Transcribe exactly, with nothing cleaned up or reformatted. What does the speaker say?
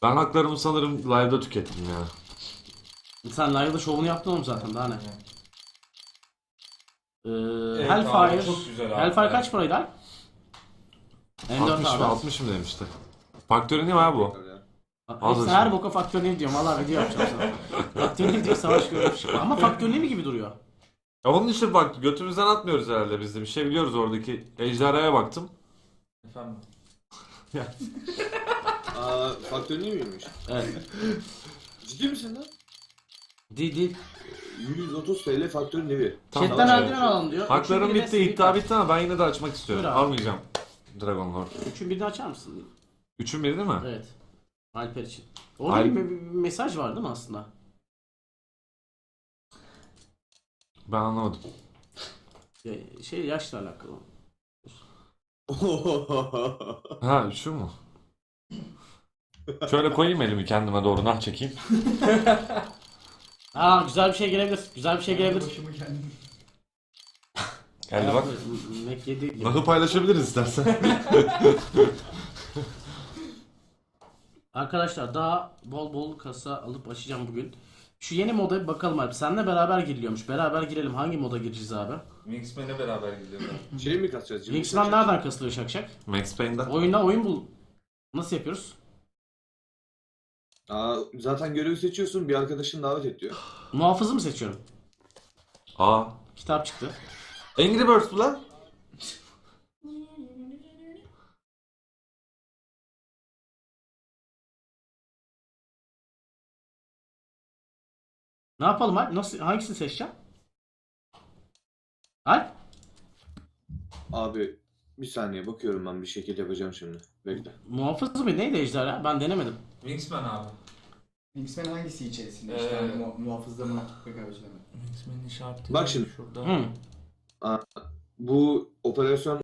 Ben haklarımı sanırım live'da tükettim ya. Sen live'da şovunu yaptın oğlum zaten, daha ne? Ee, Evet Hellfire. abi, çok güzel abi. Hellfire Evet. kaç paraydı abi? M dört altmış mı abi. altmış mı demişti. Faktörü ne var bu? Hepsi Alır her şimdi. boka faktörünü diyorum. Valla video yapacağım sana. Faktörünü diyor, savaş görmüş. Ama faktörünü mi gibi duruyor? Ya onun için bak götümüzden atmıyoruz herhalde biz de. Bir şey biliyoruz oradaki. Ejderhaya baktım. Efendim. Aa, faktör niye miymiş? Evet. Ciddi misin lan? Değil değil. yüz otuz TL faktör nevi. Tamam, Chatten tamam. eldiven alalım diyor. Haklarım Üçün birine bitti, iddia sneaker. bitti ama ben yine de açmak istiyorum. Buyur abi. Almayacağım Dragon Lord. Üçün birini açar mısın? Üçün biri değil mi? Evet. Alper için. Orada Alp- bir, bir mesaj var değil mi aslında? Ben anlamadım. Ya, Şey, yaşla alakalı. Ha şu mu? Şöyle koyayım elimi kendime doğru nah çekeyim. Aa, güzel bir şey gelebilir. Güzel bir şey gelebilir. Başımı kendim. Geldi bak. Mac yedi. Nahı paylaşabiliriz istersen. Arkadaşlar daha bol bol kasa alıp açacağım bugün. Şu yeni moda bir bakalım abi. Seninle beraber giriliyormuş. Beraber girelim. Hangi moda gireceğiz abi? Wingsman'le beraber gidiyorlar. Şey mi kasacağız? Cimri Wingsman kasacağız? nereden kasılıyor Şakşak? Max Payne'den. Oyunda oyun bul. Nasıl yapıyoruz? Aa, zaten görevi seçiyorsun, bir arkadaşın davet et diyor. Muhafızı mı seçiyorum? Aa. Kitap çıktı. Angry Birds bu lan. Ne yapalım Alp? Nasıl, hangisini seçeceğim? Alp? Abi bir saniye bakıyorum, ben bir şekil yapacağım şimdi. Bekle. Muhafız mı? Neydi ejderha? Ben denemedim. Wingsman abi. Wingsman hangisi içerisinde? Ee, İşte hani mu muhafızda mı? Rekabetçide mi? Wingsman'in işareti Bak şimdi. şurada. Hı. Bu operasyon